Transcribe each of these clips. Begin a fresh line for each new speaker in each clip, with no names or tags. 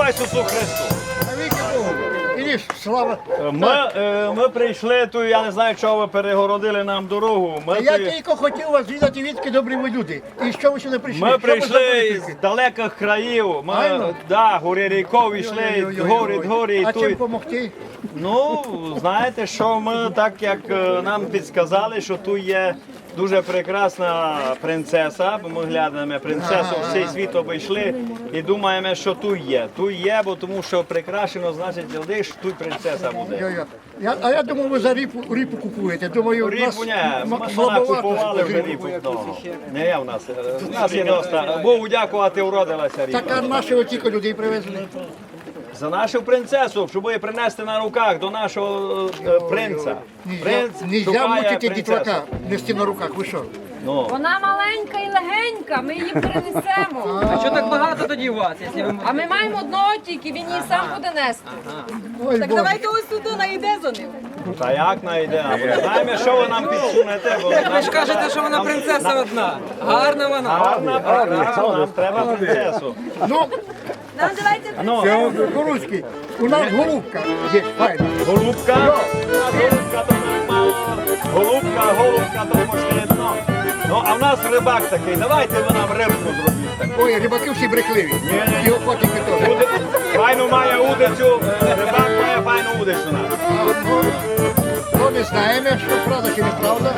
Ісусу Христу!
Ідиш, слава.
Ми прийшли тут, я не знаю, чого ви перегородили нам дорогу.
Я тільки хотів вас відати, відки добрі ви люди. І що ви сюди прийшли?
Ми
Що ви
прийшли
забудете?
з далеких країв. Ми,
Правильно?
гори ріков йшли, гори, і
А чим
тут.
допомогти?
Ну, знаєте, що ми так, як нам підсказали, що тут є дуже прекрасна принцеса, бо ми глянемо принцесу, всій світ обійшли і думаємо, що тут є. Тут є, бо тому що прикрашено, значить, що тут принцеса буде.
А я думав, ви за ріпу купуєте. Думаю, у нас
Ріпу не, ми
слабовато
купували вже ріпу. Не є в нас. У нас є доста. Богу дякувати, уродилася ріпа.
Так, а нашого тільки людей привезли.
За нашу принцесу, щоб її принести на руках до нашого принца. Принц
Нельзя
шукає
мучити
принцесу.
дітвака, нести на руках. Ви що?
Ну.
Вона маленька і легенька, ми її принесемо.
А що так багато тоді у вас, якщо ви...
А ми маємо одного тільки, він її сам буде нести.
Ой,
Так
Боже.
давайте ось туди найде за ним.
Та як найде? Знаємо, що ви нам підсунете, бо
Ви ж кажете, що вона принцеса одна. Гарна вона.
гарна, прекрасна, нам треба принцесу.
Ну,
Нам давайте
Ну,
Горуцький, у нас голубка є, файна.
голубка, голубка то мало, голубка то пошлідно. Ну, а в нас рибак такий, давайте ви нам рибку зробіть таку.
Ой, рибаки всі брехливі. І охотники теж.
Файну має удицю, рибак має файну удицю нам.
То не знаємо, що правда чи неправда.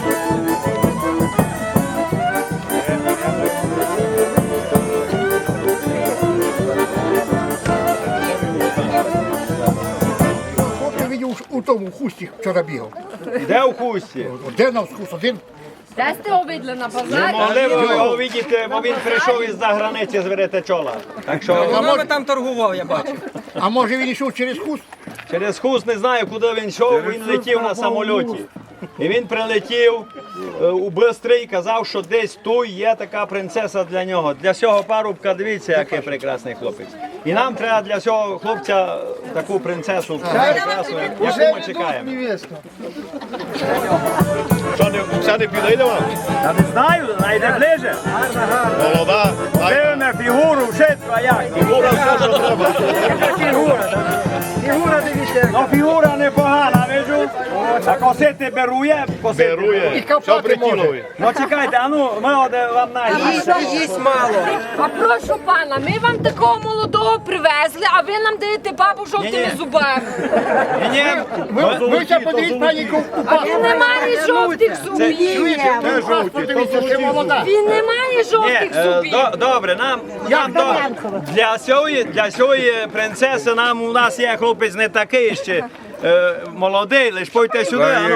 Хлопці видів у тому хусті вчора бігав.
Де у хусті?
Де на вкус один?
Де сте обидли на
Не
базарі?
могли ви його видіти, бо він прийшов із-за границі з Веретечола. Так що
Вона би там торгував, я бачу.
А може він йшов через хуст?
через хуст не знаю, куди він йшов, він летів на самольоті. І він прилетів у Бистрий і казав, що десь тут є така принцеса для нього. Для цього парубка, дивіться, який прекрасний хлопець. І нам треба для цього хлопця таку принцесу прекрасну, яку ми чекаємо.
Що, це не підійде вам?
Я не знаю, найде ближе.
Молода.
Дивимо фігуру, вшитку, а як?
Фігура все, що треба.
Фігура, дивіться. Ну, фігура непогана, виджу. А косити берує, косити.
Берує. Все
копати може.
притілує.
Ну, чекайте, а ну, ми вам найдемо.
Їсть мало.
А прошу пана, ми вам такого молодого привезли, а ви нам даєте бабу жовтими
Ні-ні.
зубами.
Ні,
Ви ще подивіть, пані
А він не має жовтих зубів.
Де жовті?
Подивіться, ще молода.
Він не має жовтих зубів.
добре, для цієї принцеси у нас є хлопець не такий ще молодий, лиш пойте сюди.